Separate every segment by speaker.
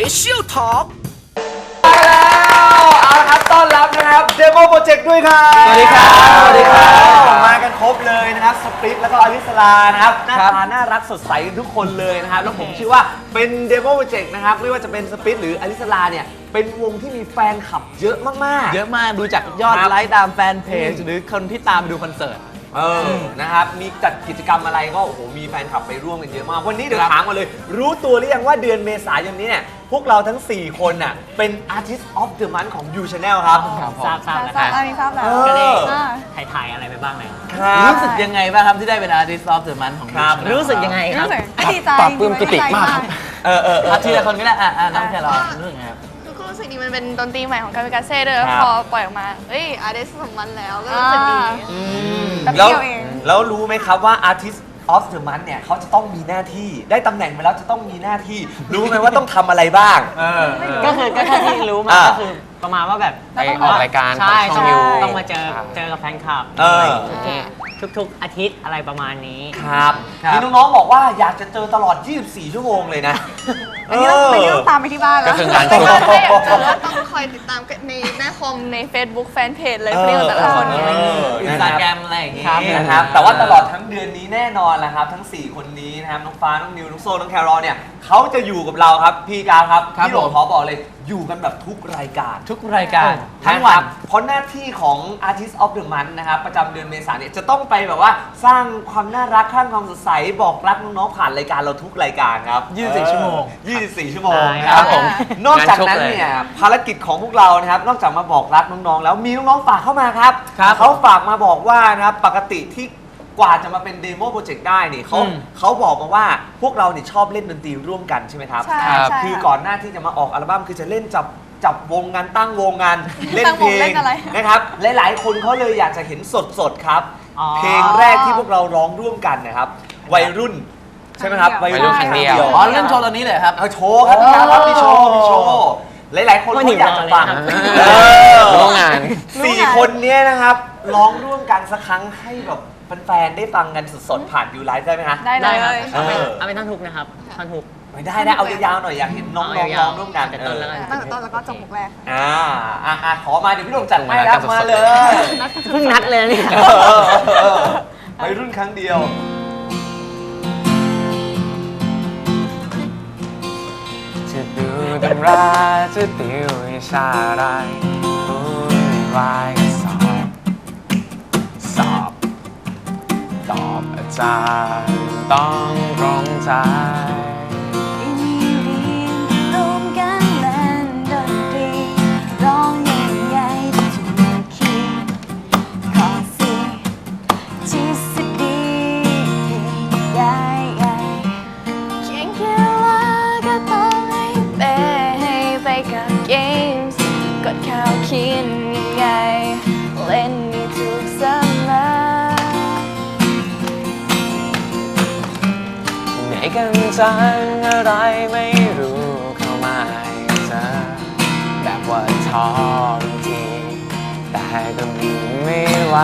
Speaker 1: Special Talk
Speaker 2: มาแล้วเอาละครับต้อนรับนะครับเดโมโปรเจกต์ด้วยครับ
Speaker 3: สวัสดีครับสวัสดีครับ
Speaker 2: มากันครบเลยนะครับสปริตแล้วก็อลิสลานะครับหน้าตาน่ารักสดใสทุกคนเลยนะครับแล้วผมเชื่อว่าเป็นเดโมโปรเจกต์นะครับไม่ว่าจะเป็นสปริตหรืออลิสลาเนี่ยเป็นวงที่มีแฟนคลับเยอะมากๆ
Speaker 3: เยอะมากดูจากยอดไลค์ตามแฟนเพจหรือคนที่ตามดูคอนเสิร์ต
Speaker 2: นะครับมีจัดกิจกรรมอะไรก็โอ้โหมีแฟนคลับไปร่วมกันเยอะมากวันนี้เดี๋ยวถามมาเลยรู้ตัวหรือยังว่าเดือนเมษายนนี้เนี่ยพวกเราทั้ง4คนน่ะเป็น Artist of the Month ของ You Channel ครับ
Speaker 4: ทราบแล้ว
Speaker 5: มีทราบแล้ว
Speaker 4: ก็ได้
Speaker 5: อ่า
Speaker 4: ถ่ายอะไรไปบ้างเลย
Speaker 3: รู้สึกยังไงบ้างครับที่ได้เป็น Artist of the Month ของ
Speaker 2: ครับ
Speaker 3: รู้สึกยังไงครับ
Speaker 5: รู้สึกดีใจ
Speaker 3: ปรับปลื้มปิติมากครับ
Speaker 5: ดีใจ
Speaker 3: ทีละคนก็ได้น้องแครอทรู้สึกไงครับ
Speaker 6: ก็รู้สึกดีมันเป็นดนตรีใหม่ของกามิกาเซ่ด้วย
Speaker 2: ครับ
Speaker 6: พอปล่อยออกมาเอ้ยอาร์เดสสมมันแล้วก็รู้สึกดี
Speaker 5: แป๊บ
Speaker 2: แล้ว
Speaker 5: เดียวเอง
Speaker 2: แล้วรู้ไหมครับว่า Artist of the Month เนี่ยเขาจะต้องมีหน้าที่ได้ตำแหน่งไปแล้วจะต้องมีหน้าที่ รู้ไหมว่าต้องทำอะไรบ้าง
Speaker 4: ก็คือก็แค่ที่รู้มา
Speaker 2: อ่า
Speaker 4: ก็คือประมาณว่าแบบ
Speaker 5: ไป
Speaker 3: ออกรายการ
Speaker 4: ใช่
Speaker 3: ของช่อง
Speaker 4: ต้อง
Speaker 3: ยู
Speaker 4: ต้องมาเจอกับแฟนคลับ ทุกอาทิตย์อะไรประมาณนี้
Speaker 2: ครับ
Speaker 3: ครับ
Speaker 2: มีน้องๆบอกว่าอยากจะเจอตลอด 24 ชั่วโมงเลยนะ
Speaker 5: อันนี้ต้องตามไปที่บ้านแล้ว
Speaker 3: ก็คืองาน
Speaker 6: ไม่ว่าถ้าอยากเจอต้องคอยติดตามกันในหน้าคอมใน Facebook แฟนเพจเลยเพราะแต่ละคนเนี่ย
Speaker 3: อินสตาแกรมอะไรอย่างงี้
Speaker 2: นะครับแต่ว่าตลอดทั้งเดือนนี้แน่นอนแหละครับทั้ง 4 คนนี้นะครับน้องฟ้าน้องนิวน้องโซ่น้องแครอลเนี่ยเขาจะอยู่กับเราครับพี่กาครับ
Speaker 3: ครับ
Speaker 2: พี่หลง
Speaker 3: ผม
Speaker 2: ขอบอกเลยอยู่กันแบบทุกรายการ
Speaker 3: ทุกรายการทั้
Speaker 2: ทั้
Speaker 3: ง
Speaker 2: ง
Speaker 3: วั
Speaker 2: วัน นเพราะหน้าที่ของ Artist of the Month นะครับประจำเดือนเมษายนเนี่ยจะต้องไปแบบว่าสร้างความน่ารักสร้างความสดใสบอกรักน้องๆผ่านรายการเราทุกรายการครับ
Speaker 3: 24 ชั่วโมง
Speaker 2: 24 ชั่วโมง
Speaker 4: ใช่
Speaker 2: นะครับผมนอกจากนั้น
Speaker 3: งานชุกเลย
Speaker 2: เนี่ยภารกิจของพวกเรานะครับนอกจากมาบอกรักน้องๆแล้วมีน้องๆฝากเข้ามาครับ
Speaker 3: ครับ
Speaker 2: เขาฝากมาบอกว่านะครับปกติที่กว่าจะมาเป็นเดโมโปรเจกต์ได้นี่เขาบอกมาว่าพวกเราเนี่ยชอบเล่นดนตรีร่วมกันใช่ไหมครับ
Speaker 5: ใช่
Speaker 3: ครับ
Speaker 5: ใช่
Speaker 2: คือก่อนหน้าที่จะมาออกอัลบั้มคือจะเล่นจับวงงานตั้งวงงานเล่น
Speaker 5: ตั้ง
Speaker 2: เพ
Speaker 5: ว
Speaker 2: ล
Speaker 5: ง
Speaker 2: ง
Speaker 5: เล่นอะไร
Speaker 2: นะครับหลายๆคนเขาเลยอยากจะเห็นสดๆครับ
Speaker 4: อ๋อ
Speaker 2: เพลงแรกที่พวกเราร้องร่วมกันนะครับวัยรุ่นใช่ไหมครับ
Speaker 5: วัยรุ่นครั้งเดียว
Speaker 3: อ๋อเล่นโชว์ตอนนี้เลยครับ
Speaker 2: เอาโชว์ครับพี่ครับมีโชว์หลายๆคนเขาอยากจะฟัง
Speaker 3: ร่วมงาน
Speaker 2: 4 คนเนี้ยนะครับร้องร่วมกันสักครั้งให้แบบแฟนๆได้ฟังกันสดๆผ่านยูไลฟ์ได้ไหมฮะ
Speaker 5: ได้เล
Speaker 4: ได้ครับ
Speaker 5: ย
Speaker 4: เอาเป็นท่อนทุกนะครับท่อนทุก
Speaker 2: ไม่ได้นะเอายาวๆหน่อยอยากเห็นน้องๆร้องร่วมกัน
Speaker 4: แต่ต้นแล้วกัน
Speaker 5: ตั้งแต่ต้นแล้วก็จบมุกแรก
Speaker 2: ขอมาเดี๋ยวพี่หลงจัดให้รับมาเลย
Speaker 4: เพิ่งนัดเลยนี่
Speaker 2: วัยรุ่นครั้งเดียว
Speaker 7: จะดูตำราจะติววิชาอะไรวุ่นวายก็สอบตอบอาจารย์ต้องตรงใจ
Speaker 5: รวมกันเล่นดนตรีร้องใหญ่ๆที่ถูกคีย์ขอสิทฤษฎีใหญ่ๆเขียนแค่ว่าก็ต้องให้เป๊ะให้ไปกับเกมส์กดข่าวเขียนง่ายๆเล่นให้ถูกเสมอ
Speaker 7: ไหนกันจังอะไรไม่รู้เข้ามาให้เจอแบบว่าท้องทีแต่ก็มีไม่ไหว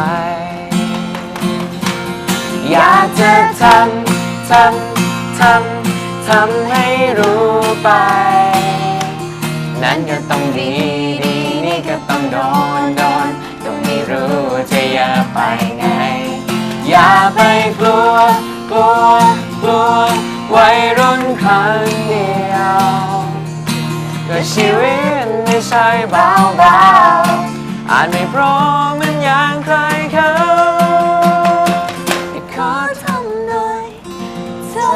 Speaker 7: อยากจะทำให้รู้ไป นั้นก็ต้องดีนี่ก็ต้องโดนก็ไม่รู้จะอย่าไปไง อย่าไปกลัววัยรุ่นครั้งเดียวก็ชีวิตไม่ใช่เบาอาจไม่พร้อมเหมันอย่างใครเขาขอทำหน่อยเธอ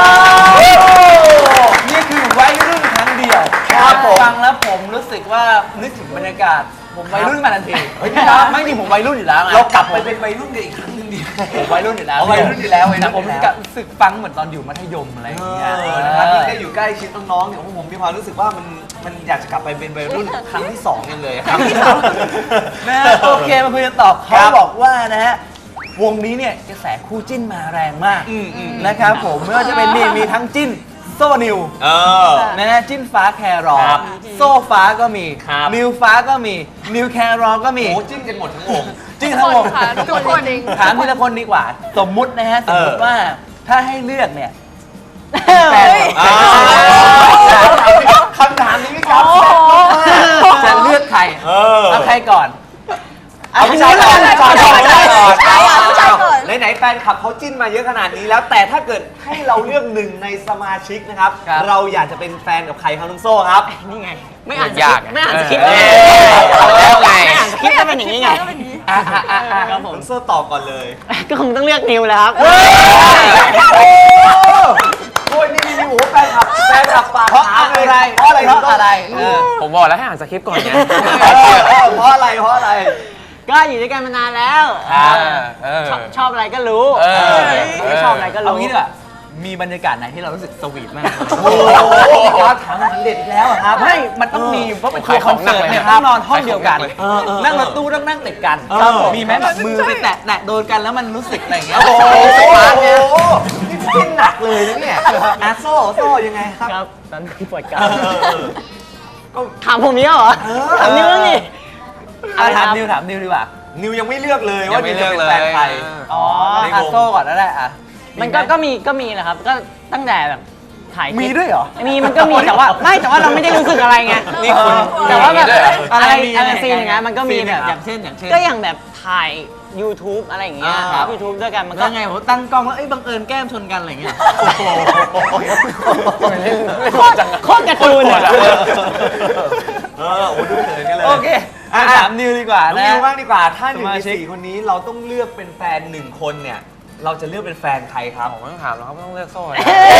Speaker 2: นี่คือวัยรุ่นครั้งเดียว
Speaker 3: ครับผมฟังแล้วผมรู้สึกว่านึกถึงบรรยากาศผมวัยรุ่นมาทันทีไม่จริงผมวัยรุ่นอยู่แล้วไง
Speaker 2: เรากลับไปเป็นวัยรุ่นกันอีกครั้งหนึงดี
Speaker 3: ผมวัยรุ่นอยู่แล้ว
Speaker 2: วัยรุ่นอยู่แล้ววัยรุ่น
Speaker 3: แต่ผม
Speaker 2: อยู่แล้ว
Speaker 3: รู้สึกฟังเหมือนตอนอยู่มัธยมอะไรอย่างเงี้ย
Speaker 2: นะครับที่ได้อยู่ใกล้ชิดน้องๆเนี่ยผมมีความรู้สึกว่ามันอยากจะกลับไปเป็นวัยรุ่นครั้งที่2ยังเลยครับ
Speaker 3: นะฮะโอเคมาคุยกันต่อเขาบอกว่านะฮะวงนี้เนี่ยกระแสคู่จิ้นมาแรงมากนะครับผมไม่ว่าจะเป็นนี่มีทั้งจิ้นโซ่นิวนะฮะจิ้นฟ้าแครอ
Speaker 2: ครับ
Speaker 3: โซ่ฟ้าก็มี
Speaker 2: ครับ
Speaker 3: นิวฟ้าก็มีนิวแครอก็มี
Speaker 2: โอ้จิ้นกันหมดทั้งวง
Speaker 3: จิ้นทั้งวง
Speaker 6: ทุกคนจริง
Speaker 3: ถามทีละคนดีกว่า สมมุตินะฮะสมมติว่าถ้าให้เลือกเนี่ยแฟน
Speaker 5: เฮ้ย
Speaker 3: อ่า
Speaker 2: คำถามนี้พี่กราฟแซ่บมาก
Speaker 3: จะเลือกใคร เอาใครก่อน
Speaker 2: เอาผู้ชายก่อน
Speaker 3: ผู้ชายก่อน
Speaker 6: ผู้ชายก่อนผู้ชายก่อน
Speaker 2: ไหนๆแฟนคลับเขาจิ้นมาเยอะขนาดนี้แล้ว แต่ถ้าเกิดให้เราเลือกหนึ่งในสมาชิกนะครับ
Speaker 3: ครับ
Speaker 2: เราอยากจะเป็นแฟนกับใครครับน้องโซ่ครับ
Speaker 4: นี่ไง ไม่อ่านส
Speaker 7: ยา
Speaker 4: คริ
Speaker 7: ก
Speaker 4: ปต์ไม่อ่านสคริปต์
Speaker 7: เออแล้วไง
Speaker 4: ไม่อ่านสคริปต์ก็เป็นอย่างนี้ไง ครับผม
Speaker 2: น้องโซ่ตอบก่อนเลย
Speaker 4: ก็คงต้องเลือกนิวแหล้วครับ
Speaker 2: โอ้ยนี่โอ้โหแฟนคลับฝาก
Speaker 3: เพราะ
Speaker 2: ถาม
Speaker 3: อะ
Speaker 2: เลย
Speaker 3: ไร
Speaker 2: เพราะอะไร
Speaker 3: เพราะอะไร
Speaker 7: ผมบอกแล้วให้อ่านสคริปต์ก่อนไง
Speaker 2: เพราะอะไรเพราะอะไร
Speaker 4: ก็อยู่ด้วยกันมานานแล้ว
Speaker 7: เออ
Speaker 4: ชอบอะไรก็รู้
Speaker 7: เออ
Speaker 4: ไม่ชอบอะไรก็
Speaker 3: เอา
Speaker 4: รู้
Speaker 3: งี้ดีกว่ามีบรรยากาศไหนที่เรารู้สึกสวีทมาก
Speaker 2: โอ้โหครับถามอาหารเด็ดอีกแล้วอะครับ
Speaker 3: ไม่มันต้องมีเพราะเป็นทัวร์คอนเสิร์ตเนี่ย
Speaker 7: ขายของหนักเลยนะ
Speaker 3: ต้องนอนห้องเดียวกัน นั่งรถ
Speaker 7: เออ
Speaker 3: ตู้ต้องนั่งติดกัน
Speaker 2: ครับผม
Speaker 3: มีไหมแบบมือไปแตะโดนกันแล้วมันรู้สึกอะไรอย่างเงี้ย
Speaker 2: โอ้โห
Speaker 3: สปาร์คเนี่ย
Speaker 2: นี่จิ้นหนักเลยนะเนี่ยโซ่ยังไงครับ
Speaker 4: ครับตอนนี้ปวดกล้า
Speaker 2: เออ
Speaker 4: มถามผมนี้เหรอถามนิวบ้างดิ
Speaker 3: ถามนิวดีกว่า
Speaker 2: นิวยังไม่เลือกเลย
Speaker 7: ยั
Speaker 2: ว่าง
Speaker 7: ไม่
Speaker 2: นิวจะเป็น
Speaker 7: เลือกเลย
Speaker 2: แฟนใคร
Speaker 3: อ๋อ
Speaker 2: ในวง
Speaker 3: โซ่ก่อนแล้วแหละอ่ะ
Speaker 4: มันก็มีแหละครับ ก็ตั้งแต่แบบถ่ายคลิป
Speaker 3: มีด้วยเหรอ
Speaker 4: มันก็มีแต่ว่าแต่ว่าเราไม่ได้รู้สึกอะไรไง
Speaker 7: นี่คุณ
Speaker 4: แต่ว่าแบบ
Speaker 7: มีด้วยเหรอ
Speaker 4: อะไร
Speaker 3: มี
Speaker 4: อะไร
Speaker 3: ยังไง
Speaker 4: ซีนอย่างเงี้ยมันก็มี
Speaker 3: ซีน
Speaker 4: แบบ
Speaker 3: อย่างเช่น
Speaker 4: ก็อย่างแบบถ่าย YouTube อะไรอย่างเงี้ย
Speaker 3: ครับ
Speaker 4: YouTube ด้วยกันมันก็
Speaker 3: แล้วไงผมตั้งกล้องแล้วบังเอิญแก้มชนกันอะไรอย่างเงี้ย
Speaker 4: โคตรการ์ตูนอะ
Speaker 2: โอ้ดูเขินกันเลย
Speaker 3: โอเคถามนิวดีกว่า
Speaker 2: น้อง
Speaker 3: นะ
Speaker 2: นิวบ้างดีกว่า ถ้าหนึ่ง
Speaker 3: สมา
Speaker 2: ใน
Speaker 3: ชิก
Speaker 2: สี่คนนี้เราต้องเลือกเป็นแฟนหนึ่งคนเนี่ย เราจะเลือกเป็นแฟนใครครับ
Speaker 7: ผมไม่ต้องถามแล้วครับไม่ต้องเลือกโซ่นะ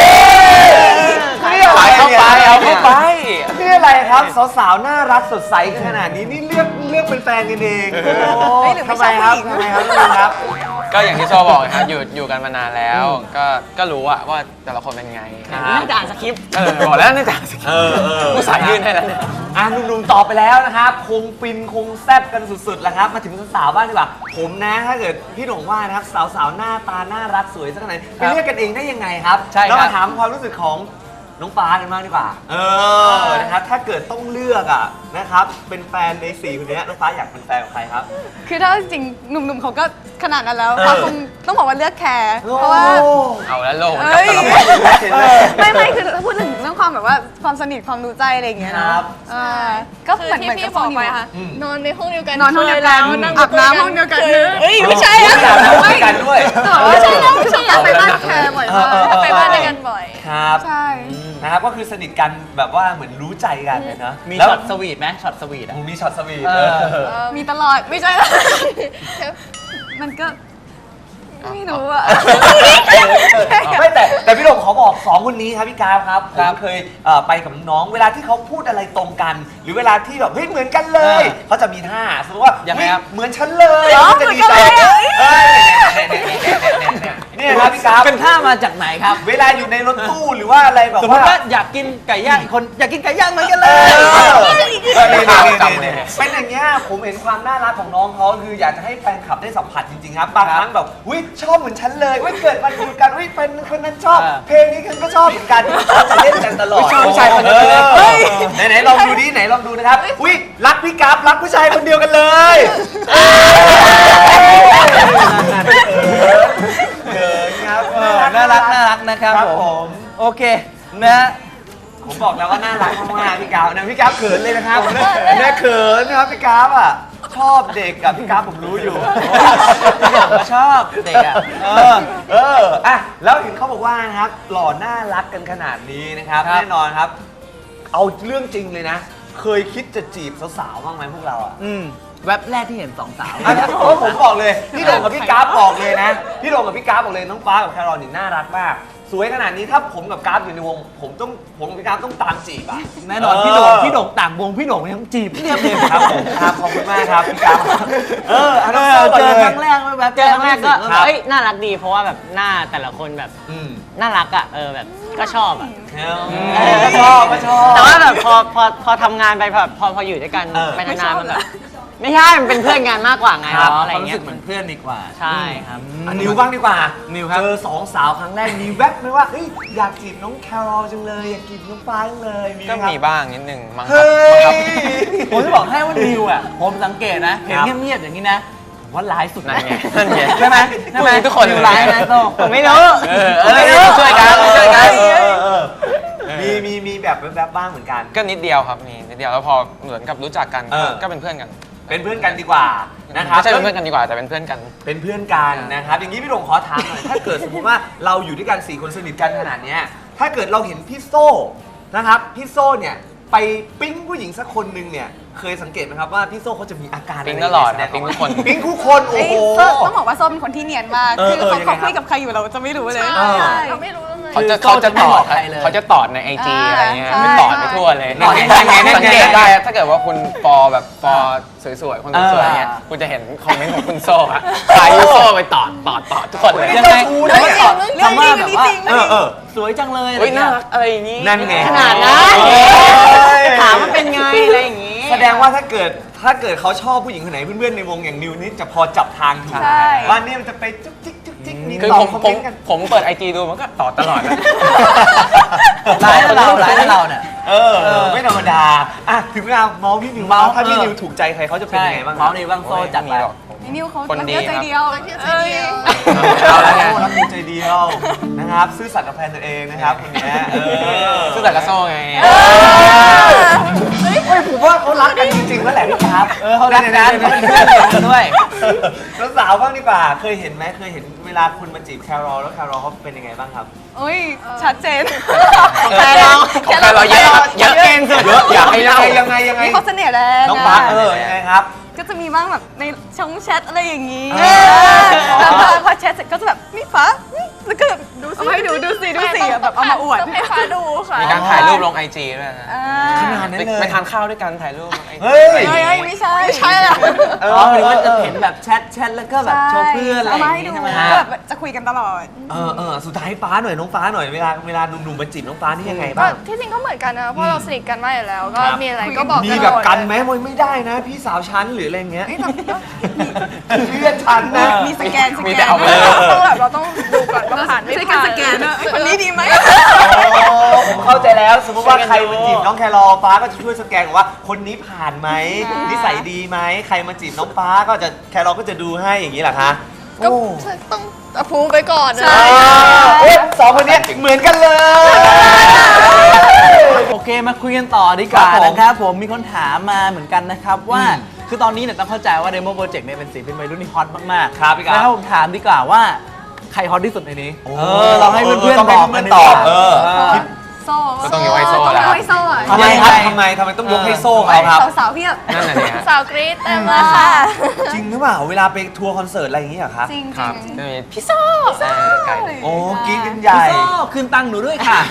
Speaker 2: นี่อะไร
Speaker 7: เข้าไป
Speaker 2: นี่ย
Speaker 7: เอาเข้าไป
Speaker 2: นี่อะไรครับสาวๆน่ารักสดใสขนาดนี้นี่เลือกเป็นแฟนกันเองโอ้ทำไมครับทำไมครับน้องนิวครับ
Speaker 7: ก็อย่างที่โซ่บอกนะครับอยู่กันมานานแล้ว ก็รู้ว่าแต่ละคนเป็นไง
Speaker 4: น่าจะอ่านสคริปต์
Speaker 7: บอกแล้วนี่แต่สคริปต์ ผู้สายยื่นให้แล้วเนี่ย
Speaker 2: หนุ่มๆตอบไปแล้วนะครับ คงฟินคงแซ่บกันสุดๆแล้วครับ มาถึงสาวๆบ้างดีกว่า ผมนะถ้าเกิดพี่หนงว่านะครับสาวๆหน้าตาน่ารักสวยสักขนาดไหนไปเลือกกันเองได้ยังไงครับ
Speaker 3: ใช่ครับ
Speaker 2: แล้วมาถามความรู้สึกของน้องฟ้ากันบ้างดีกว่านะครับถ้าเกิดต้องเลือกอะนะครับเป็นแฟนใน4คนนี้น้องฟ้าอยากเป็นแฟนกับใครครับ
Speaker 6: คือถ้าจริงๆหนุ่มๆเขาก็ขนาดนั้นแล้วเขาคงต้องบอกว่าเลือกแคร์เพราะว่า
Speaker 7: เอาแล้วโลก
Speaker 6: เอ้ย
Speaker 7: กับแต่ละคน
Speaker 6: ไม่คือพูดถึงเรื่องความแบบว่าความสนิทความรู้ใจอะไรอย่างเงี้ย
Speaker 2: ค
Speaker 6: เนาะ
Speaker 2: รับ
Speaker 6: ก็
Speaker 1: คือ
Speaker 6: เหมือน
Speaker 1: ที่
Speaker 6: เหมือน
Speaker 1: พี่
Speaker 6: กับ
Speaker 1: บอก
Speaker 6: นิว
Speaker 1: ไป
Speaker 6: อะ
Speaker 1: ค่ะ นอนในห้องเดียวกัน
Speaker 6: นอนห้องเดียวกัน
Speaker 1: คแล้ว
Speaker 6: อาบน้ำห้องเดียวกัน
Speaker 1: เอ้ยไม่ใช่
Speaker 2: อาบน้ำห้องเดียวกันด้วย
Speaker 6: แต่ว่าใช่นะคือแบบไปบ้านแคร์บ่อยมาก
Speaker 1: ไปบ้านด้วยกันบ่อย
Speaker 2: ครับ
Speaker 6: ใช่
Speaker 2: นะครับก็คือสนิทกันแบบว่าเหมือนรู้ใจกันเลยนะ
Speaker 3: มี
Speaker 2: แล้ว
Speaker 3: ช็อตสวีทไหมช็อตสวีทอ่ะ
Speaker 2: มีช็อตสวีท
Speaker 3: เออ
Speaker 6: มีตลอดไม่ใช่ มันก็ไม่รู้อะ
Speaker 2: ไม่แต่พี่หลงขอบอก2คนนี้ครับพี่กราฟครับผมเคยไปกับน้องเวลาที่เขาพูดอะไรตรงกัน หรือเวลาที่แบบเฮ้ยเหมือนกันเลยเขาจะมีท่าสมมติว่า
Speaker 3: ยังไงครับ
Speaker 2: เฮ้เหมือนฉันเลย
Speaker 6: อ๋อ
Speaker 2: เขาจะดีใจ
Speaker 6: เหมือนกันเลยอะ
Speaker 2: เนี่ยครับพี่กราฟ
Speaker 3: เป็นท่ามาจากไหนครับ
Speaker 2: เวลาอยู่ในรถตู้หรือว่าอะไรแบบ
Speaker 3: สมมติว่า
Speaker 2: ว่า
Speaker 3: อยากกินไก่ย่างอีกคนอยากกินไก่ย่างเหมือนกันเล
Speaker 2: เอย อ
Speaker 7: นี่จำเลย
Speaker 2: เป็นอย่างเงี้ยผมเห็นความน่ารักของน้องเขาคืออยากจะให้แฟนคลับได้สัมผัสจริงๆครับบางครั้งแบบอุ้ยชอบเหมือนฉันเลยอุ้ยเกิดมาดูกันอุ้ยเป็นคนนั้นชอบ เพลงนี้ฉันก็ชอบเหมือนกันเขาจะเล่นกันตลอด
Speaker 3: ชอบผู้ชายคนนั้นเลย
Speaker 2: ไหนลองดูดิไหนลองดูนะครับอุ้ยรักพี่กราฟรักผู้ชายคนเดียวกันเลย เกินครับ
Speaker 3: น่ารักนะครับ
Speaker 2: ครับ
Speaker 3: ผ
Speaker 2: ผม ม
Speaker 3: โอเคนะ
Speaker 2: ผมบอกแล้วว่าน่ารักมากๆพี่กราฟนะพี่กราฟเขินเลยนะครับเนี่ยเขินนะครับพี่กราฟอ่ะชอบเด็กกับพี่กราฟผมรู้อยู่
Speaker 3: พี่หลงก็ชอบเด็กอ่ะ
Speaker 2: อ่ะแล้วเห็นเขาบอกว่านะครับหล่อน่ารักกันขนาดนี้นะครับ
Speaker 3: ครับ
Speaker 2: แน่นอนครับ เอาเรื่องจริงเลยนะ เคยคิดจะจีบสาวๆบ้างไหมพวกเราอ่ะ
Speaker 3: แว็บแรกที่เห็นสองสาว
Speaker 2: เพราะผมบอกเลยพี่โด่งกับพี่กราฟบอกเลยนะพี่โด่งกับพี่กราฟบอกเลยน้องฟ้ากับแครอลนี่น่ารักมากสวยขนาดนี้ถ้าผมกับกราฟอยู่ในวงผมกับพี่กราฟต้องตามจีบอ่ะ
Speaker 3: แน่นอนพี่โด่งต่างวงพี่โด่งยังจีบเรียบเลย
Speaker 2: ครับผมครับขอบคุณมากครับพี่กราฟอันนั้น
Speaker 3: เจอครั้งแรกแว็บ
Speaker 4: เจอครั้งแรกก็
Speaker 2: ครับ
Speaker 4: เอ้ยน่ารักดีเพราะว่าแบบหน้าแต่ละคนแบบ
Speaker 2: อืม
Speaker 4: น่ารักอ่ะแบบก็ชอบอ่ะ
Speaker 2: ก็ชอบก็ชอบ
Speaker 4: แต่ว่าแบบพอทำงานไปพออยู่ด้วยกัน
Speaker 2: เออ
Speaker 4: ไปนานๆมันแบบไม่ใช่มันเป็นเพื่อนกันมากกว่าไง
Speaker 2: ครับ
Speaker 4: อะไร
Speaker 3: ความรู้
Speaker 4: เงี้
Speaker 3: สึ
Speaker 4: ย
Speaker 3: กเหมือนเพื่อนดีกว่า
Speaker 4: ใช่ครับ
Speaker 2: นิวบ้างดีกว่า
Speaker 3: นิวครับ
Speaker 2: เจอ2 สาวครั้งแรกมีแวบไหมว่าเฮ้ยอยากจีบน้องแครอลจังเลยอยากจีบน้องฟ้าจังเลยมีไห
Speaker 7: ก็
Speaker 2: มครับ
Speaker 7: มีบ้างนิดนึงมั้งครั
Speaker 2: เฮ้
Speaker 7: บ
Speaker 2: ย
Speaker 3: ผมจะบอกให้ว่านิวอ่ะผมสังเกตนะ เห็น
Speaker 2: ครับ
Speaker 3: เงียบๆอย่างนี้นะผมว่าร้ายสุด
Speaker 7: นั่นไงนั่นไง
Speaker 3: ใช่ไหมใช่ไหม
Speaker 7: ทุกคนเลย
Speaker 3: นิวร้ายนะโต้ง
Speaker 4: ผมไม่รู้
Speaker 7: ช่วยกันช่วยกัน
Speaker 2: มีแบอบแวบๆบ้างเหมือนกัน
Speaker 7: ก็นิดเดียวครับมีนิดเดียวแล้วพอเหมือนกับรู้จักกัน
Speaker 2: เออ
Speaker 7: ก็เป็นเพื่อนกัน
Speaker 2: เป็นเพื่อนกันดีกว่านะครับ
Speaker 7: ไม่ใช่เป็นเพื่อนกันดีกว่าแต่เป็นเพื่อนกัน
Speaker 2: เป็นเพื่อนกันนะครับ อย่างนี้พี่โด่งขอถามหน่อย ถ้าเกิดสมมติว่าเราอยู่ด้วยกัน4คนสนิทกันขนาดเนี้ยถ้าเกิดเราเห็นพี่โซ่นะครับพี่โซ่เนี่ยไปปิ๊งผู้หญิงสักคนหนึ่งเนี่ยเคยสังเกตไหมครับว่าพี่โซ่เขาจะมีอาการ
Speaker 7: ปิ๊ง
Speaker 2: ะไร
Speaker 7: ตลอด
Speaker 2: แสง
Speaker 7: ปิ๊งทุกคน
Speaker 2: ปิ๊งทุกคน โอ้
Speaker 5: เอ้ย
Speaker 2: โห
Speaker 5: โซ่ต้องบอกว่าโซ่เป็นคนที่เนียนมาก คือ
Speaker 2: ยังไงครับ
Speaker 5: เขาคุยกับใครอยู่เราจะไม่รู้เลย
Speaker 2: เออ
Speaker 6: เราไม่รู้เลย
Speaker 7: เขาจะตอด
Speaker 3: ใครเลย
Speaker 7: เขาจะตอดในไอจีอะไรเงี้ย
Speaker 5: ใช่
Speaker 7: ไม่ตอดไปทั่วเลย
Speaker 2: นั่นไงนั่นไง
Speaker 7: สังเกตได้ถ้าเกิดว่าคุณฟอแบบฟอสวยๆคนสวยๆเงี้ยคุณจะเห็นคอมเมนต์ของคุณโซ่อะใครโซ่ไปตอดทุกคนเลย
Speaker 3: ยังไง
Speaker 5: เรื่องจริงเรื่องจริง
Speaker 3: คำว่า
Speaker 5: อัน
Speaker 3: แบบ
Speaker 5: นี้
Speaker 3: ว่า
Speaker 5: จริง
Speaker 3: สวยจังเลย
Speaker 7: เฮ้ยน่ารักอะไรอย่างงี้
Speaker 2: นั่นไง
Speaker 4: ขนาดนั้น
Speaker 2: เอ้ย
Speaker 4: ถามมันเป็นไงอะไรอย่างงี้
Speaker 2: แสดงว่าถ้าเกิดเขาชอบผู้หญิงคนไหนเพื่อนๆในวงอย่างนิวนี่จะพอจับทางถูก
Speaker 5: ใช่
Speaker 2: ว่านี่มันจะไปจุ๊กจิ๊กจุ๊กจิ๊กมี
Speaker 7: คือ
Speaker 2: ตอ
Speaker 7: ผ
Speaker 2: บ
Speaker 7: ม
Speaker 2: คอม
Speaker 7: ผ
Speaker 2: เม
Speaker 7: ม
Speaker 2: นต์กัน
Speaker 7: ผมเปิดไอจีดูมันก็ตอดตลอดนะ
Speaker 3: ร้ายนะเราเนี่ย
Speaker 2: ไม่ธรรมดาอ่ะถึงเวลาเมาส์พี่นิว
Speaker 3: เมาส์
Speaker 2: ถ้าพี่
Speaker 3: เออ
Speaker 2: นิวถูกใจใครเขาจะเป็นยังไงบ้างค
Speaker 3: เมา
Speaker 2: รับ
Speaker 3: ส์ในบ้างโซ่จัดไป
Speaker 7: ม่มีหรอก
Speaker 5: ไอ้นิวเขา
Speaker 7: คนดี
Speaker 5: รักใจเดียว
Speaker 6: รักใจเดียว
Speaker 2: เอาแล้วไงรักเดียวใจเดียวนะครับซื่อสัตย์กับแฟนตัวเองนะครับคนเนี้ย
Speaker 7: ซึ่งแต่กระโซ่ไง
Speaker 2: เฮ้ยผมว่าเขารักกันจริงๆแล้วแหละพี่ครับ
Speaker 3: เขารักกันเขาเป็นเพื่อนกันด้วย
Speaker 2: แล้วสาวบ้างดีกว่าเคยเห็นไหมเคยเห็นเวลาคุณมาจีบแครอลแล้วแครอลเขาเป็นยังไงบ้างครับ
Speaker 5: โอ้ยชัดเจน
Speaker 7: ของใครเราเยอะเยอะเก่งสุด
Speaker 2: อยากให้เล่ายังไง
Speaker 5: นี่เขาเสน่ห์แรง
Speaker 2: น้องฟ้ายังไงครับ
Speaker 5: ก็จะมีบ้างแบบในช่องแชทอะไรอย่างนี้
Speaker 2: เออ
Speaker 5: แล้วพอแชทเสร็จก็จะแบบนี่ฟ้าแล้วก็แบบดูสิดูสิแบบเอามาอวด
Speaker 6: ต้องให้ฟ้าดูค่ะ
Speaker 7: มีการถ่ายรูปลงไอจีด้วยนะ
Speaker 2: ขนาดนั้นเลย
Speaker 7: ไปทานข้าวด้วยกันถ่ายรูปลงไอจี
Speaker 2: เฮ้ย
Speaker 5: เฮ้ยไม่ใช่
Speaker 6: อะ
Speaker 3: หรือว่าจะเห็นแบบแชทแล้วก็แบบโชว์เพื่อนอะไร
Speaker 5: เอา
Speaker 3: อ
Speaker 5: มา
Speaker 3: ย่าง
Speaker 5: ให้
Speaker 3: งี้
Speaker 5: ดู
Speaker 3: ใช่ไหมฮะ
Speaker 5: ก็แบบจะคุยกันตลอด
Speaker 2: สุดท้ายฟ้าหน่อยน้องฟ้าหน่อยเวลาหนุ่มๆมาจีบน้องฟ้านี่ยังไง
Speaker 6: ก็
Speaker 2: บ้าง
Speaker 6: ที่จริงก็เหมือนกันนะเพราะเราสนิทกันมากอยู่แล้ว ก็
Speaker 2: ครับ
Speaker 6: มีอะไรก็บอก
Speaker 2: มี
Speaker 6: กัน
Speaker 2: แบบ
Speaker 6: หมด
Speaker 2: กันไหม
Speaker 6: เลย
Speaker 2: ไม่ได้นะ พี่สาวชั้นหรืออะไรเงี้ยเพื่อนชั้นนะ
Speaker 5: มีสแกน
Speaker 7: มีแต่เอาไป
Speaker 6: ต้องแบบเราต้องดูก่อนว่าผ่านไม่
Speaker 5: ใช้
Speaker 6: ผ่า
Speaker 5: การ
Speaker 6: น
Speaker 5: สแกนด้วยคนนี้ดีไหม
Speaker 2: ผมเข้าใจแล้วสมมติว่าใครมาจีบน้องแครอลฟ้าก็จะช่วยสแกนว่าคนนี้ผ่านไหมนิสัยดีไหมใครมาจีบน้องฟ้าก็จะแครอลก็จะดูให้อย่างนี้เหรอคะ
Speaker 6: ก็ต้องอภูไปก่อนนะ
Speaker 2: สองคนนี้เหมือนกันเลย
Speaker 3: โอเคมาคุยกันต่อดีกว่า
Speaker 2: ครับผม
Speaker 3: นะครับผมมีคนถามมาเหมือนกันนะครับว่าคือตอนนี้เนี่ยต้องเข้าใจว่า Demo Project เนี่ยเป็นศิลปินวัยรุ่นที่ฮอตมากๆ
Speaker 2: ครับพี่ครับ
Speaker 3: แล้วผมถามดีกว่าว่าใครฮอตที่สุดในนี้
Speaker 2: โอ้
Speaker 3: เราให้เพื่อน
Speaker 2: ต้อง
Speaker 3: ๆ
Speaker 2: ให้
Speaker 3: บอก
Speaker 2: เพื่
Speaker 3: กั
Speaker 2: อน น
Speaker 3: ดี
Speaker 2: ต
Speaker 3: ก
Speaker 2: อบ
Speaker 3: ว่า
Speaker 5: โซ่
Speaker 7: ก็ต้องยกให้โซ่แล้ว
Speaker 5: ต้องยกให้โซ่อะ
Speaker 2: ทำไมครับทำไมต้องยกให้โซ่เขาครับ
Speaker 5: สาวๆเพียบ
Speaker 7: นั่นน่ะเนี่ย
Speaker 6: สาวกรี๊ดเต็มเลยค่ะ
Speaker 2: จริงหรือเปล่าเวลาไปทัวร์คอนเสิร์ตอะไรอย่างนี้เหรอครับ
Speaker 5: จริง
Speaker 7: ครับ
Speaker 5: ๆ
Speaker 7: จะมีพี่โซ่ไก่
Speaker 2: โอ้กินกันใหญ่
Speaker 3: พี่โซ่คืนตังค์หนูด้วยค่ะ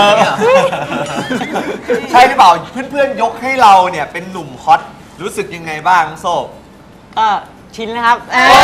Speaker 2: ใช่หรือเปล่าเพื่อนๆยกให้เราเนี่ยเป็นหนุ่มฮอตรู้สึกยังไงบ้างโซ่
Speaker 4: ก็ชินนะครับ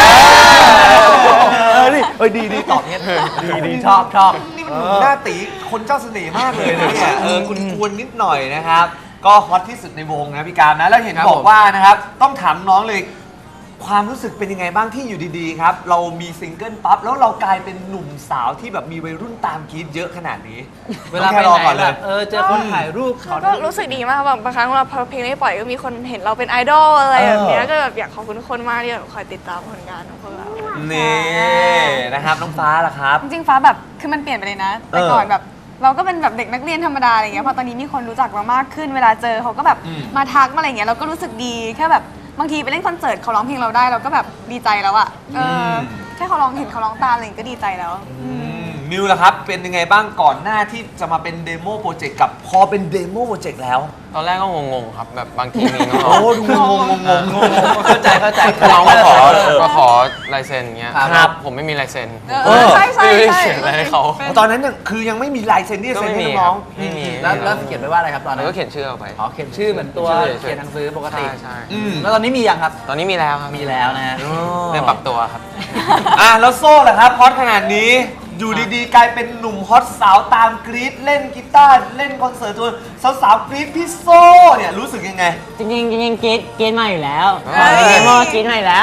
Speaker 2: นี่ดีตอบเงี้ยดีชอบนี่มันหนุ่มหน้าตีคนเจ้าเสน่ห์มากเลยนะเนี่ยคุณกวนนิดหน่อยนะครับ ก็ฮอตที่สุดในวงนะพี่การนะแล้วเห็นบอกว่านะครับต้องถามน้องเลยความรู้สึกเป็นยังไงบ้างที่อยู่ดีๆครับเรามีซิงเกิลปั๊บแล้วเรากลายเป็นหนุ่มสาวที่แบบมีวัยรุ่นตามกรี๊ดเยอะขนาดนี้
Speaker 3: เวลาไป
Speaker 2: รอ
Speaker 3: ไหน
Speaker 2: ก่อน
Speaker 3: แบ
Speaker 2: เลย
Speaker 3: บเจอคนถ่ายรูปขอ
Speaker 6: ก็รู้สึกดีมากแบบบางครั้งเราพอเพลงไม่ปล่อยก็มีคนเห็นเราเป็นไอดอลอะไรแบบเนี้ยก็แบบอยากขอบคุณทุกคนมากที่แบบคอยติดตามผลงานของพวกเรา
Speaker 2: นี่นะครับน้องฟ้าล่ะครับ
Speaker 5: จริงๆฟ้าแบบคือมันเปลี่ยนไปเลยนะ แต่ก่อนแบบเราก็เป็นแบบเด็กนักเรียนธรรมดาอะไรอย่างเงี้ยพอตอนนี้มีคนรู้จักเรามากขึ้นเวลาเจอเขาก็แบบมาทักมาอะไรอย่างเงี้ยเราก็รู้สึกดีแค่แบบบางทีไปเล่นคอนเสิร์ตเขาร้องเพลงเราได้เราก็แบบดีใจแล้วอะแค่เขาร้องเห็นเขาร้องตามอะไรอย่างเงี้ยก็ดีใจแล้ว
Speaker 2: นิวล่ะครับเป็นยังไงบ้างก่อนหน้าที่จะมาเป็นเดโมโปรเจกต์กับพอเป็นเดโมโปรเจกต์แล้ว
Speaker 7: ตอนแรกก็งงๆครับแบบบางทีมีน้
Speaker 2: โอ้
Speaker 7: อง
Speaker 2: ดูงง
Speaker 3: เข้าใจ
Speaker 7: ๆน้องมาขอลายเซ็นเงี้ย
Speaker 2: ครับ
Speaker 7: ผมไม่มีลายเซ็น
Speaker 5: ใช่ใช่
Speaker 7: ไม่ได้
Speaker 5: ใช่
Speaker 7: เขียนอะไรให้เขา
Speaker 2: ตอนนั้นเนี่ยคือยังไม่มีลายเซ็นที่จะ
Speaker 7: ก็
Speaker 2: เซ็น
Speaker 7: ไม่
Speaker 2: ให้
Speaker 7: มี
Speaker 2: น้อง
Speaker 7: ไม่มี
Speaker 3: แล้วเขียนไว้ว่าอะไรครับตอนนั้
Speaker 7: แล้ว
Speaker 3: น
Speaker 7: ก็เขียนชื่อเอาไป
Speaker 3: อ๋อเขียนชื่อเหมือนตัว
Speaker 7: ชื่อเฉยๆ
Speaker 3: เขียนหนังสือปกติ
Speaker 7: ใช่
Speaker 3: แล้วตอนนี้มียังครับ
Speaker 7: ตอนนี้มีแล้วครับ
Speaker 3: มีแล้วนะฮะ
Speaker 7: เริ่มปรับตัวครับ
Speaker 2: แล้วโซ่ล่ะครับฮอตขนาดนี้อยู่ดีๆกลายเป็นหนุ่มฮอตสาวตามกรี๊ดเล่นกีตาร์เล่นคอนเสิร์ตตัวสาวๆกรี๊ดพี่โซ่เนี่ยรู้สึกยังไง
Speaker 4: จริงๆกรีดมาอยู่แล้วเดโมกรีดมาอยู่แล้ว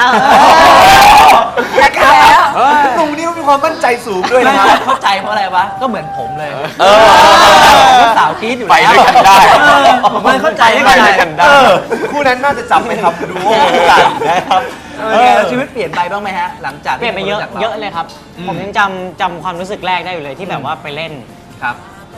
Speaker 2: หนุ่มนี่มีความมั่นใจสูงด้วย
Speaker 3: ไม่
Speaker 2: นะครับ
Speaker 3: เข้าใจเพราะอะไรวะ ก็เหมือนผมเลย
Speaker 2: เออ
Speaker 3: ก็สาวกรี๊ดอยู่
Speaker 7: ไป
Speaker 3: แล้ว
Speaker 7: ด้วยกันได้
Speaker 3: ผมไม่เข้าใจ
Speaker 7: ไปด้วยกันได้
Speaker 2: คู่นั้นน่าจะจับไปทำดูโอกันนะครับ
Speaker 3: แล้วชีวิตเปลี่ยนไปบ้างไหมฮะ หลังจาก
Speaker 4: เปลี่ยนไปเยอะ
Speaker 3: ที่คนรู้จักรา
Speaker 4: เยอะเลยครับ ผมยังจำความรู้สึกแรกได้อยู่เลยที่แบบว่าไปเล่น
Speaker 3: ครับ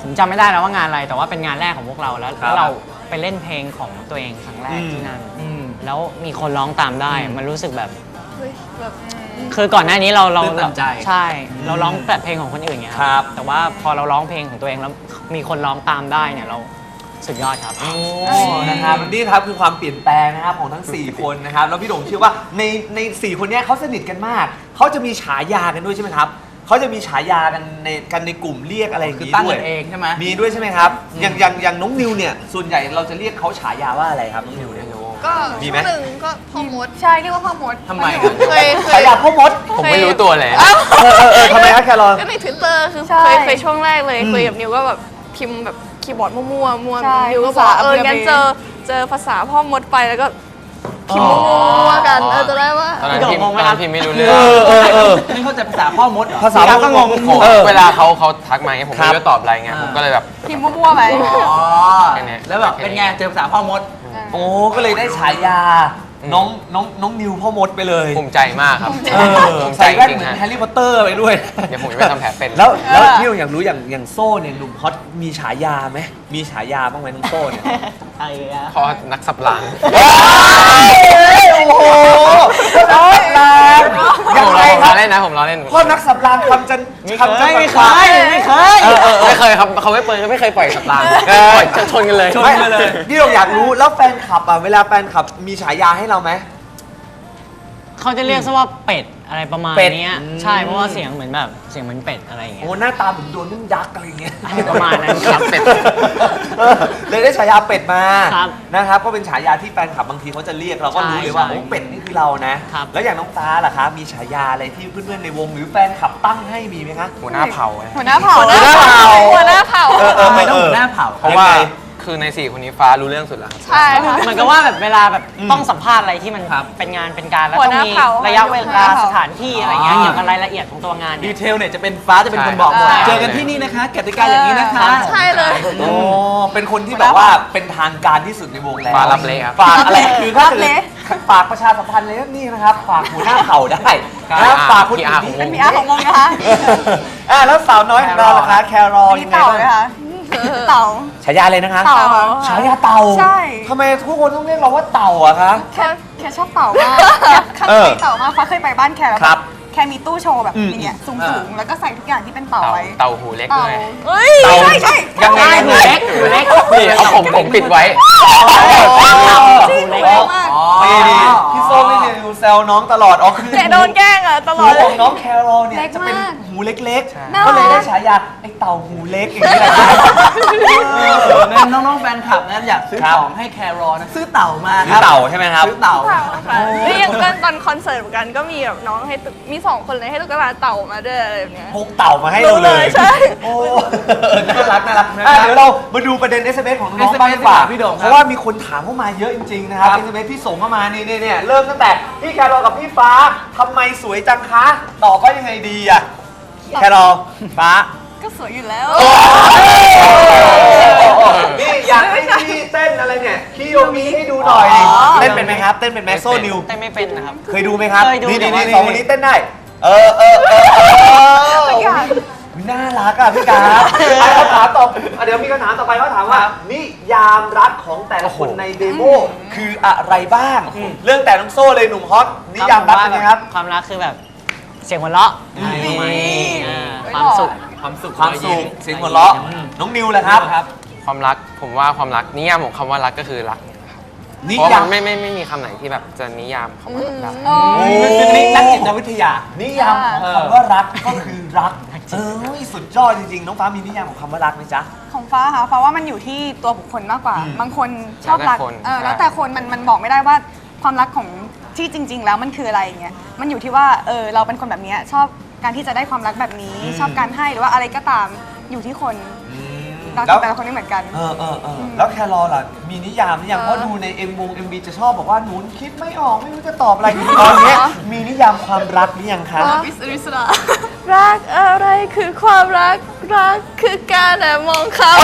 Speaker 4: ผมจำไม่ได้แล้วว่างานอะไรแต่ว่าเป็นงานแรกของพวกเราแล้ว
Speaker 2: ครับ
Speaker 4: เราไปเล่นเพลงของตัวเองครั้งแรกที่นั่นแล้วมีคนร้องตามได้มันรู้สึกแบบ
Speaker 6: เฮ้ยแบบ
Speaker 4: คือก่อนหน้านี้เรา
Speaker 3: ตื่นตันใจ
Speaker 4: ใช่เราร้องแต่เพลงของคนอื่นไง
Speaker 2: ครับ
Speaker 4: แต่ว่าพอเราร้องเพลงของตัวเองแล้วมีคนร้องตามได้เนี่ยเราสุดยอดครับ
Speaker 2: โอ้นะครับนี่ครับคือความเปลี่ยนแปลงนะครับของทั้ง 4 คนนะครับแล้วพี่โด่งเชื่อว่าใน4 คนเนี้ยเขาสนิทกันมากเขาจะมีฉายากันด้วยใช่ไหมครับเขาจะมีฉายากันในกลุ่มเรียกอะไรอย่าง
Speaker 3: คือ
Speaker 2: นี้
Speaker 3: ตั้ง
Speaker 2: ด้วย
Speaker 3: กันเองใช่ไหม
Speaker 2: มีด้วยใช่ไหมครับอย่างน้องนิวเนี่ยส่วนใหญ่เราจะเรียกเขาฉายาว่าอะไรครับน้องนิวเนี่ย
Speaker 6: ก็
Speaker 2: มี
Speaker 6: ช่
Speaker 2: ไหม
Speaker 6: วงหนึ่งก็พ่อมดใช่เรียกว่าพ่อมด
Speaker 3: ทำไมครับ
Speaker 6: เคย
Speaker 2: ฉายาพ่อมด
Speaker 7: ผมไม่รู้ตัวเลย
Speaker 2: ทำไมครับแครอล
Speaker 6: ก็ใน Twitter คือ
Speaker 5: ใช่
Speaker 6: เคยช่วงแรกเลยคุยกับนิวก็แบบพิมพ์แบบคีย์บอร์ดมั่วๆมั่ว
Speaker 5: ใช่
Speaker 6: นิวก็บอกว่า
Speaker 5: ภาษา
Speaker 6: งั้น
Speaker 5: อังกฤษ
Speaker 6: เจอภาษาพ่อมดไปแล้วก็พิมพ์มั่วๆกันจะได้ว่า
Speaker 7: ตอนนั้น
Speaker 4: พี่
Speaker 7: พิม
Speaker 4: โด่งงงไหม
Speaker 7: ตอน
Speaker 4: ครั
Speaker 7: นั้
Speaker 4: บ
Speaker 7: นพิมไม่รู้เรื่อง
Speaker 3: นี่เข้าใจภาษาพ่อมดเหรอ
Speaker 2: ภาษาพ่อมด
Speaker 7: ผม เวลาเขาทักมาเงี้ยผม
Speaker 2: ครั
Speaker 7: ไม่
Speaker 2: บ
Speaker 7: รู้จะตอบอะไรเงี้ยผมก็เลยแบบ
Speaker 5: พิมพ์มั่วๆไป
Speaker 3: อ๋อ
Speaker 7: แค่นี้
Speaker 3: แล้วแบบเป็นไงเจอภาษาพ่อมด
Speaker 2: โอ้ก็เลยได้ฉายาน้องนิวพ่อมดไปเลย
Speaker 7: ภูมิใจมากครับ ภูมิใจ
Speaker 2: ใส่แว่น
Speaker 7: จริง
Speaker 2: เหมือน
Speaker 7: ๆ
Speaker 2: แฮ
Speaker 7: ฮะ
Speaker 2: ร์รี่พอตเตอร์ไปด้วย
Speaker 7: เดี๋ยวผมจะไปทำแผลเป็น
Speaker 2: แล้วพี่อยากรู้อย่างโซ่เนี่ยหนุ่มฮอตมีฉายาไหมมีฉายาบ้างไหมน้องโซ่เนี่ย
Speaker 4: ใช่ครับ
Speaker 7: พอนักสับราง
Speaker 2: โอ้โหพ่อนักสับรางยังไง
Speaker 7: ผม
Speaker 2: ค
Speaker 7: ล้
Speaker 2: รั
Speaker 7: อบ เล่นนะผมล้อเล่น
Speaker 2: พ่อนักสับรางคำจัน
Speaker 4: ไม่
Speaker 2: คำจัน
Speaker 4: เคย
Speaker 7: ไม่เคยครับเขาไม่เปิดไม่เคยปล่อยสับรางปล่อยชนกันเลย
Speaker 2: ไม่พี่อยากรู้แล้วแฟนคลับอ่ะเวลาแฟนคลับมีฉายาให้เราไหม
Speaker 4: เขาจะเรียกซะว่าเป็ดอะไรประมาณ
Speaker 2: เป็ด
Speaker 4: เนี้ยใช่เพราะว่าเสียงเหมือนแบบเสียงเหมือนเป็ดอะไรอย่างเงี้ย
Speaker 2: โอ้หน้าตาเหมือนโดนนึ่งยักษ์อะไรอย่างเงี้ย
Speaker 4: ประมาณนั้นครับ
Speaker 7: เป็ด
Speaker 2: เลยได้ฉายาเป็ดมา
Speaker 4: ครับ
Speaker 2: นะครับก็เป็นฉายาที่แฟนคลับบางทีเขาจะเรียกเราก็รู้เลยว่า
Speaker 4: ใช่
Speaker 2: โอ้เป็ดนี่คือเรานะครับ แล้วอย่างน้องฟ้าล่ะคะมีฉายาอะไรที่เพื่อนๆในวงหรือแฟนคลับตั้งให้มีไหมคะ
Speaker 7: หัวหน้าเผ่าเลย
Speaker 5: หัวหน้าเผ่า
Speaker 2: หัวหน้าเผ่า
Speaker 6: หัวหน้าเผ่า
Speaker 3: ทำไมต้องหัวหน้าเผ่า
Speaker 7: เพราะว่าคือใน4คนนี้ฟ้ารู้เรื่องสุดแล้วครับ
Speaker 6: ใช่ค่ะ
Speaker 4: เหมือนกับว่าแบบเวลาแบบต้องสัมภาษณ์อะไรที่มันเป็นงานเป็นการแล้ว
Speaker 6: หัว
Speaker 4: ต้อง
Speaker 6: หน้า
Speaker 4: มี
Speaker 6: เผ่า
Speaker 4: ระยะเว
Speaker 5: หัวห
Speaker 4: ลา
Speaker 5: น้าเผ่า
Speaker 4: สถานที่อะไรเงี้ยเกี่ยวกับรายละเอียดของตัวงาน
Speaker 3: ดี
Speaker 4: เนี่ย
Speaker 3: เทลเนี่ยจะเป็นฟ้าจะเป็นคนบอกหมด
Speaker 4: ใช่
Speaker 3: เจอกันที่นี่นะคะกติกาอย่างนี้นะคะ
Speaker 6: ใช่เลย
Speaker 2: โอ้เป็นคนที่แบบว่าเป็นทางการที่สุดในวงแล้ว
Speaker 7: ฟ้ารับเละครับ
Speaker 2: ฝากอะไรคือถ้า
Speaker 5: รับ
Speaker 2: เกิด
Speaker 5: เละ
Speaker 2: ฝากประชาสัมพันธ์เลยนะนี่นะครับฝากหัวหน้าเผ่าได้
Speaker 7: ครับ
Speaker 2: นะฝากคนอื่น
Speaker 7: PR ของว
Speaker 5: เป็น
Speaker 7: ง
Speaker 5: พีอาร์ของวงนะคะ
Speaker 2: แล้วสาวน้อยของเราล่ะคะแครอล
Speaker 5: มี
Speaker 2: ยังไง
Speaker 5: เต่า
Speaker 2: บ้าง
Speaker 5: ไหมคะเต่า
Speaker 2: ฉายาเลยนะคะ
Speaker 5: เต่าค่ะ
Speaker 2: ฉายาเต่า
Speaker 5: ใช่
Speaker 2: ทำไมทุกคนต้องเรียกเราว่าเต่าอะคะ
Speaker 5: แค่ชอบเต่ามากแค่เคยเต่ามากฟ้าเคยไปบ้านแค่แล้ว
Speaker 2: ครับ
Speaker 5: แค่มีตู้โชว์แบบอย่างเงี้ยสูงๆแล้วก็ใส่ทุกอย่างที่เป็นเต่าไว้
Speaker 7: เต่าหูเล็ก
Speaker 5: เต่า
Speaker 7: ด้วย
Speaker 6: เฮ้ย
Speaker 2: เต่า
Speaker 5: ใช่
Speaker 2: ยังไง
Speaker 4: หูเล็กหูเล็ก
Speaker 7: นี่เอาผมปิดไว้
Speaker 5: จริง
Speaker 4: หูเล็ก
Speaker 5: เล็กมาก
Speaker 2: นี่พี่ส้มนี่เนี่ยแซวน้องตลอดคือ
Speaker 6: เนี่ยโดนแกล้งอ่ะตล
Speaker 2: หู
Speaker 6: อดเล
Speaker 2: ขอย งน้องแครอลเนี่ย
Speaker 5: เล็ก
Speaker 2: จะเป็น
Speaker 5: มาก
Speaker 2: หูเล็ก
Speaker 5: น่า
Speaker 2: ๆ ก็เลย
Speaker 5: รั
Speaker 2: ได้
Speaker 5: ก
Speaker 2: ฉายาไอ้เต่าหูเล็กอย่างนี้แหละครับ
Speaker 3: นั่นน้องๆแฟนคลับนะอยากซื้อ
Speaker 2: ครับ
Speaker 3: ของให้แครอลนะซื้อเต่ามา
Speaker 2: คือเต่าใช่ไหมครับ
Speaker 3: ซื้อเต่า
Speaker 6: ค่ะแล้วอย่างตอนคอนเสิร์ตเหมือนกันก็มีแบบน้องให้ตุ๊กมี2 คนเลยให้ตุ๊กตาเต่ามาด้วยอะไรแบบเนี้ย
Speaker 2: พกเต่ามาให้เราเลย
Speaker 6: ใช่
Speaker 2: โอ้น่ารักเดี๋ยวเรามาดูประเด็น SMS ของน้อง
Speaker 3: SMS
Speaker 2: บ้างดีกว่า
Speaker 3: พี่โด่งครับ
Speaker 2: เพราะว่ามีคนถามเข้ามาเยอะจริงๆนะครับ SMS ที่ส่งเข้ามานี่เริ่มตั้งแต่พี่แครอลกับพี่ฟ้าทำไมสวยจังคะตอบว่ายังไงดีอะแครอลฟ้า
Speaker 5: ก็สวยอยู่แล้ว
Speaker 2: นี่อยากให้พี่เต้นอะไรเนี่ยคีโยมีให้ดูหน่อย เต้นเป็นไหมครับเต้นเป็นไหมโซนิว
Speaker 4: เต้นไม่เป็นนะครับ
Speaker 2: เคยดูไหมครับ
Speaker 4: เคยดู
Speaker 2: นี่
Speaker 4: แต่ว่า
Speaker 2: สองคนนี้เต้นได้น่ารักอ่ะพี่กาคำถามต่อเดี๋ยวมีคำถามต่อไปเขาถามว่านิยามรักของแต่ละคนในเดโมคืออะไรบ้าง เรื่องแต่น้องโซ่เลยหนุ่มฮอตนิยามรักเป็นไงครับ
Speaker 4: ความรักคือแบบเสียงหัวเราะอะไรประมาณนี้ความสุข
Speaker 2: ความสุขเสียงหัวเราะน้องนิวแหละครับ
Speaker 7: ความรักผมว่าความรักนิยามของคำว่ารักก็คือรัก
Speaker 2: นิ
Speaker 7: เพราะ
Speaker 2: ยา
Speaker 7: มั
Speaker 2: ม
Speaker 7: นไม่มีคำไหนที่แบบจะนิยามคำว่ารักได้
Speaker 3: คือนักจิตวิทยา
Speaker 2: นิยามของคำว่ารักก็คือรักสุดยอดจริงๆน้องฟ้ามีนิยามของคำว่ารักไหมจ๊ะ
Speaker 5: ของฟ้าค่ะฟ้าว่ามันอยู่ที่ตัวบุคคลมากกว่า บางคนชอบรัก
Speaker 7: แล้วแต่คน
Speaker 5: แล้วแต่คนมันบอกไม่ได้ว่าความรักของที่จริง ๆ แล้วมันคืออะไรอย่างเงี้ยมันอยู่ที่ว่าเราเป็นคนแบบเนี้ยชอบการที่จะได้ความรักแบบนี้ ชอบการให้หรือว่าอะไรก็ตามอยู่ที่คนรักของแต่ละคนไม่เหมือนกัน
Speaker 2: แล้วแครอลล่ะมีนิยามหรือยังเพราะดูในMV จะชอบบอกว่าหนูคิดไม่ออกไม่รู้จะตอบอะไรตอนเนี้ยมีนิยามความรักหรือยังคะ
Speaker 6: วิสริสรารักอะไรคือความรักคือการแอบมองเขา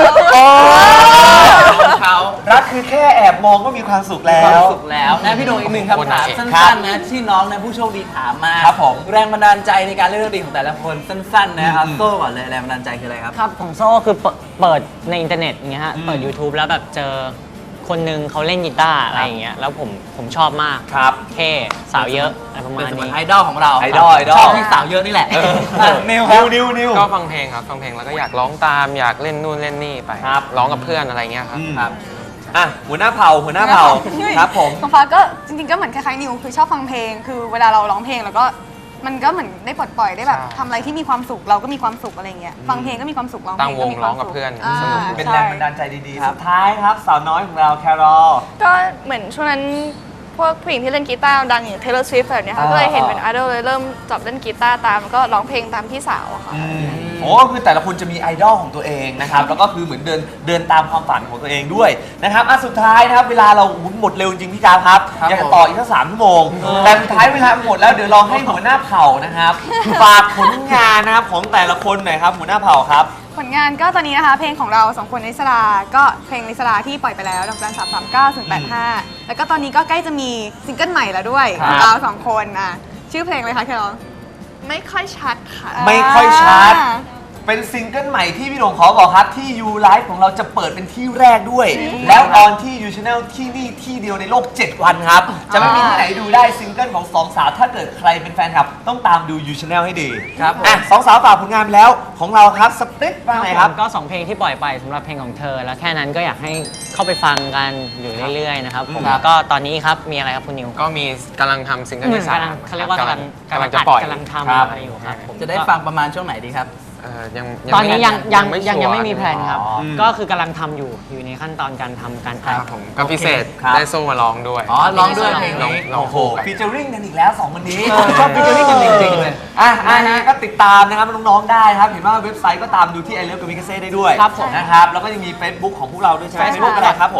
Speaker 3: เขา
Speaker 2: รักคือแค่แอบมองก็มีความสุขแล้
Speaker 3: ความ
Speaker 2: ว
Speaker 3: สุขแล้วนะพี่โดงอีกหนึ่งคำถามสั
Speaker 2: ครั้
Speaker 3: น
Speaker 2: บ
Speaker 3: ๆนะที่น้องนะผู้โชคดีถามมา
Speaker 2: ครับผม
Speaker 3: แรงบันดาลใจในการเล่นดนตรีของแต่ละคนสั้นๆนะครับโซ่ก่อนเลยแรงบันดาลใจคืออะไรครับ
Speaker 4: ครับของโซ่คือเปิดในอินเทอร์เน็ตอย่างเงี้ยฮะเปิด YouTube แล้วแบบเจอคนนึงเขาเล่นกีตาร์อะไรอย่างเงี้ยแล้วผมชอบมาก
Speaker 2: ครับ
Speaker 4: เท่สาวเยอะอะไรประมา
Speaker 3: เป็น
Speaker 4: ณ
Speaker 3: เสมือน
Speaker 4: นี้
Speaker 3: ไอดอลของเรา
Speaker 2: ไอดอลไอดอล
Speaker 3: ชอบที่สาวเยอะนี่แหละนิวครับ
Speaker 2: นิว
Speaker 7: ก็ฟังเพลงครับฟังเพลงแล้วก็อยากร้องตามอยากเล่นนู่นเล่นนี่ไป
Speaker 2: ครับ
Speaker 7: ร้องกับเพื่อนอะไรเงี้ยครับ
Speaker 2: ครับ อ่ะหัวหน้าเผ่าครับผม
Speaker 5: ของฟ้าก็จริงๆก็เหมือนคล้ายๆนิวคือชอบฟังเพลง คือเวลาเราร้องเพลงแล้วก็มันก็เหมือนได้ปลดปล่อยได้แบบ
Speaker 7: ใช่
Speaker 5: ทำอะไรที่มีความสุขเราก็มีความสุขอะไรเงี้ยฟังเพลงก็มีความสุขร้องเพล
Speaker 7: ตั้ง
Speaker 5: ง
Speaker 7: ว
Speaker 5: ก็
Speaker 7: ง
Speaker 5: มีค
Speaker 7: ร้
Speaker 5: วา
Speaker 7: อ
Speaker 5: ม
Speaker 7: งกับ
Speaker 5: สุข
Speaker 7: เพื่อน
Speaker 5: อ่า
Speaker 7: สนุก
Speaker 2: เป็นแรงบันดาลใจดีๆ สุดท้ายครับ สาวน้อยของเราแครอล
Speaker 6: ก็เหมือนช่วงนั้นพวกผู้หญิงที่เล่นกีตาร์ดังอย่าง Taylor Swift แบบเนี้ยค่ะก็เลยเห็นเป็นไอดอลเลยเริ่มจับเล่นกีตาร์ตามแล้วก็ร้องเพลงตามพี่สาวอะค่ะ
Speaker 2: โอ้คือแต่ละคนจะมีไอดอลของตัวเองนะครับ แล้วก็คือเหมือนเดินตามความฝันของตัวเองด้วยนะครับสุดท้ายนะครับ เวลาเราหมดเร็วจริงพี่การครับ
Speaker 3: ครับ
Speaker 2: อยากจะต่ออีกสัก3 ชั่วโมง แต่สุดท้ายเวลาหมดแล้วเดี๋ยวลองให้หัวหน้าเผ่านะครับ ฝากผลงานนะครับของแต่ละคนหน่อยครับหัวหน้าเผ่าครับ
Speaker 5: ผลงานก็ตอนนี้นะคะเพลงของเราสองคนลิสลาก็เพลงลิสลาที่ปล่อยไปแล้วดอกจัน339 085แล้วก็ตอนนี้ก็ใกล้จะมีซิงเกิลใหม่แล้วด้วย
Speaker 2: ครับ
Speaker 5: ของเราสองคนชื่อเพลงอะไรคะแครอล
Speaker 6: ไม่ค่อยชัดค่ะ
Speaker 2: ไม่ค่อยชัด เป็นซิงเกิลใหม่ที่พี่โด่งขอบอกครับ ที่ You Live ของเราจะเปิดเป็นที่แรกด้วย แล้วออนที่ You Channel ที่นี่ที่เดียวในโลก 7 วันครับ จะไม่มีที่ไหนดูได้ซิงเกิลของสองสาว ถ้าเกิดใครเป็นแฟนคลับ ต้องตามดู You Channel ให้ดี
Speaker 3: ครับผม
Speaker 2: สองสาวฝากผลงานไปแล้วของเราครับสปริตว่าไงครับ
Speaker 4: ก็ 2 เพลงที่ปล่อยไปสำหรับเพลงของเธอ แล้วแค่นั้นก็อยากให้เข้าไปฟังกันอยู่เรื่อยๆนะครับผม
Speaker 2: ครับ
Speaker 4: แล้วก็ตอนนี้ครับมีอะไรครับคุณนิว
Speaker 7: ก็มีกำลังทำซิงเกิลที่สาม
Speaker 4: เขาเรียกว่ากำลัง
Speaker 7: กำลังจะปล่อย
Speaker 4: กำลังทำ
Speaker 2: ครับ
Speaker 4: อะไรอยู่ครับผม
Speaker 3: จะได้ฟังประมาณช่วงไหนดีครับ
Speaker 7: ยัง
Speaker 4: ตอนนี้ยัง
Speaker 7: ชัวร์
Speaker 4: ไม่มีแพลนครับ
Speaker 2: อ๋อ
Speaker 4: ก็คือกำลังทำอยู่ในขั้นตอนการทำการ
Speaker 7: ค
Speaker 4: อัด
Speaker 7: รับผมก็พิเศษ
Speaker 2: ครับ
Speaker 7: ได้โซ่มาร้องด้วย
Speaker 3: อ๋อร้องด้วยเพลง
Speaker 7: ร้อง
Speaker 3: นี้
Speaker 7: ร้อง
Speaker 2: โอ้โห
Speaker 7: คู่กัน
Speaker 2: ฟีเจอริ่งกันอีกแล้ว2วันนี้
Speaker 3: ชอบฟีเจอริ่งกันจริงๆเลย
Speaker 2: ก็ติดตามนะครับน้องๆได้ครับ เห็นว่าเว็บไซต์ก็ตามดูที่ I Love Kamikaze ได้ด้วย
Speaker 4: ครับผม
Speaker 2: นะครับ แล้วก็ยังมี Facebook ของพวกเราด้วยใช่ไหม Facebook อะไรครับผม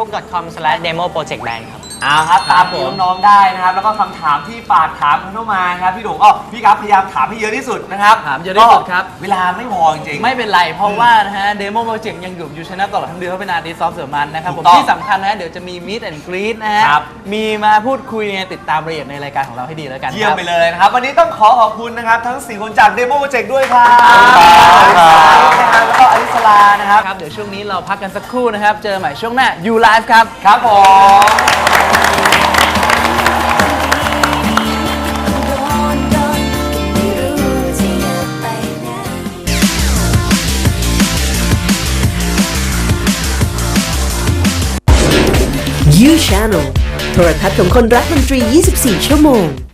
Speaker 4: facebook.com/demoprojectband ครับ
Speaker 2: ครับตามดูน้องๆได้นะครับ แล้วก็คำถามที่ฝากถามเข้ามานะครับพี่โด่งก็พี่ครับพยายามถามให้เยอะที่สุดนะครับ
Speaker 3: ถามเยอะที่สุดครับ
Speaker 2: เวลาไม่พอจริงๆ
Speaker 3: ไม่เป็นไร เพราะว่านะฮะเดโมโปรเจกต์ยังอยู่อยู่ชนะตลอดทั้งเดือนเพราะเป็นอาร์ติสต์ซอฟต์เสือมันนะครับผม
Speaker 2: ถูกต้อง
Speaker 3: ที่สำคัญนะฮะเดี๋ยวจะมีมิตแอนด์กรีดนะฮะ
Speaker 2: ครับ
Speaker 3: มีมาพูดคุยไงติดตามรายละเอียดในรายการของเราให้ดีแล้วกัน
Speaker 2: เยี่ยม
Speaker 3: ครับ
Speaker 2: ไปเลยนะครับ วันนี้ต้องขอคุณนะครับ ทั้ง 4 คนจาก Demo Project ด้วยครับ
Speaker 3: ครับ
Speaker 2: แล้วก็อลิสลานะครับ
Speaker 3: ครับเดี๋ยวช่วงนี้เราพักกันสักครู่นะครับ เจอใหม่ช่วงหน้า You Live ครับ
Speaker 2: ครับผม
Speaker 8: You Channel โทรทัศน์ของคนรักดนตรี 24 ชั่วโมง